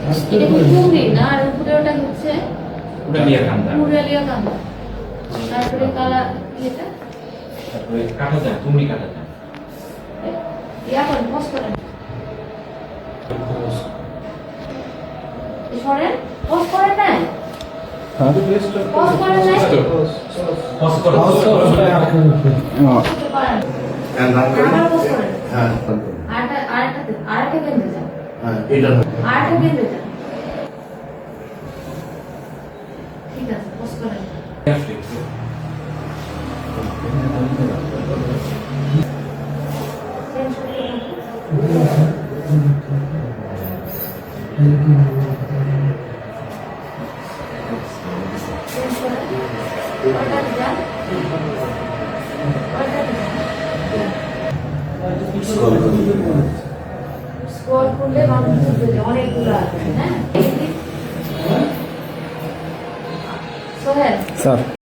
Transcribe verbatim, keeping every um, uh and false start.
এটা কি টুঙ্গি না আর উপরে ওটা হচ্ছে উড়ালিয়া কান্দা মুরালিয়া কান্দা তারপরে কালা এটা তারপরে কাটা যায় তুমি কাটা যায় ইয়া করেন পজ করেন সরেন পজ করেন না পজ করেন না পজ করো করতে পারেন আবার পজ করেন আরেকটা আরেকটা আরেকটা কেন্দ্রে যান আরেকটা কেন্দ্রে যান ঠিক আছে পজ করেন চেঞ্জ স্কোর করলে মানুষ অনেকগুলো আছে হ্যাঁ সোহেল স্যার